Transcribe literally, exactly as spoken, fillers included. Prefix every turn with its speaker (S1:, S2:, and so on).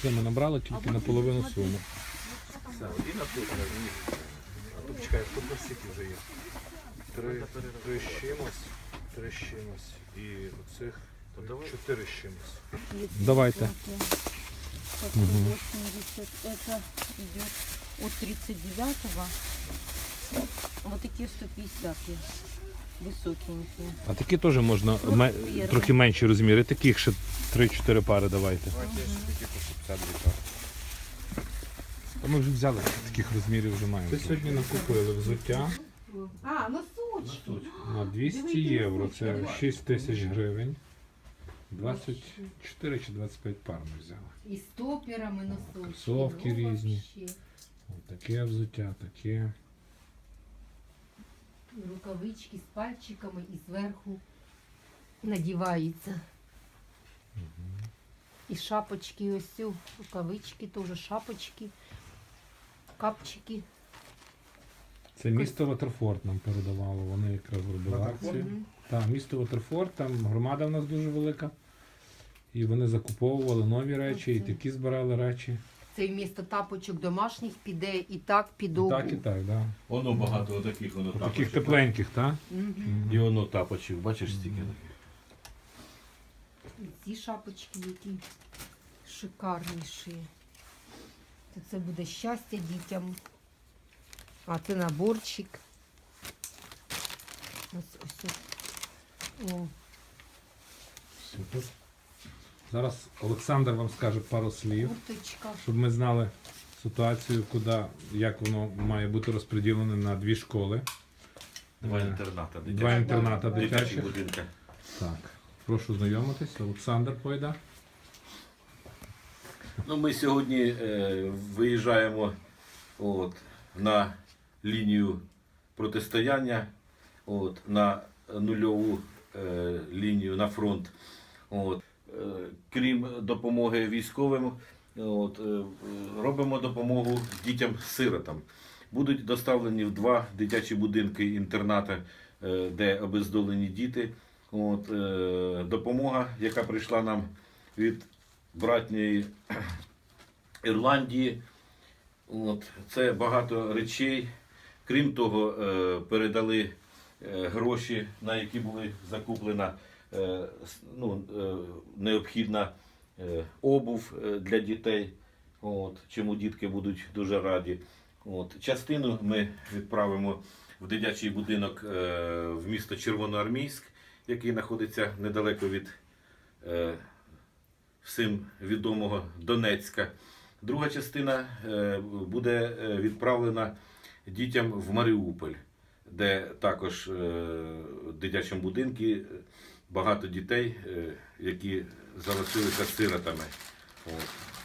S1: прийшли, ми набрали тільки на половину суми.
S2: Все, і на тут розумієте. А тут чекай, тут на стільки вже є. Три, три з чимось, три з чимось. І оцих чотири з чимось.
S1: Давайте.
S3: восемьдесят, это идет от тридцать девятого. Вот такие сто пятьдесят высокенькие.
S1: А такі теж можна ме- трохи менші розміри. Таких ще три-чотири пари давайте.
S2: Давайте я ще такі по п'ятдесят дві пари.
S1: А ми вже взяли, таких розмірів вже маємо. Це сьогодні накупили взуття
S3: А, носочки.
S1: на двісті євро. Це шість тисяч гривень. двадцять чотири чи двадцять п'ять пар ми взяли.
S3: И стопером, и носочки.
S1: Кроссовки
S3: Ну,
S1: різні.
S3: вообще.
S1: Ось таке взуття, таке.
S3: Рукавички с пальчиками и сверху надевается. И шапочки, ось цю, рукавички тоже, шапочки, капчики.
S1: Це місто Ватерфорд нам передавало, вони якраз робили
S2: Ватерфорд?
S1: акцію. Так, місто Ватерфорд, там громада в нас дуже велика. І вони закуповували нові речі, і такі збирали речі.
S3: Це вмісто тапочок домашніх піде і так під
S1: І
S3: обув.
S1: так, і так, так.
S4: Воно багато отаких, воно
S1: Таких
S4: тапочок.
S1: тепленьких, так?
S3: Мгм.
S4: І воно тапочок, бачиш стільки таких.
S3: І ці шапочки, які шикарніші. То це буде щастя дітям. А це наборчик. Ось ось. ось. О,
S1: Супер. Зараз Олександр вам скаже пару слів,
S3: курточка.
S1: щоб ми знали ситуацію, куди, як воно має бути розподілене на дві школи.
S4: Два
S1: Е,
S4: інтерната
S1: Два
S4: дитячих.
S1: інтерната
S4: Дитячі
S1: дитячих.
S4: будинки.
S1: Так, прошу знайомитись. Олександр Пойда.
S4: Ну, ми сьогодні е, виїжджаємо от, на лінію протистояння, от, на нульову е, лінію на фронт. От. Е, крім допомоги військовим, от, е, робимо допомогу дітям-сиротам. Будуть доставлені в два дитячі будинки інтернати, е, де обездолені діти. От, е, допомога, яка прийшла нам від братньої Ірландії. От, це багато речей. Крім того, е, передали е, гроші, на які були закуплена е, с- ну, е, необхідна е, обув е, для дітей, от, чому дітки будуть дуже раді. От, частину ми відправимо в дитячий будинок е, в місто Червоноармійськ, який знаходиться недалеко від е, всім відомого Донецька. Друга частина е, буде е, відправлена дітям в Маріуполь, де також е, в дитячому будинку багато дітей, е, які залишилися сиротами. От.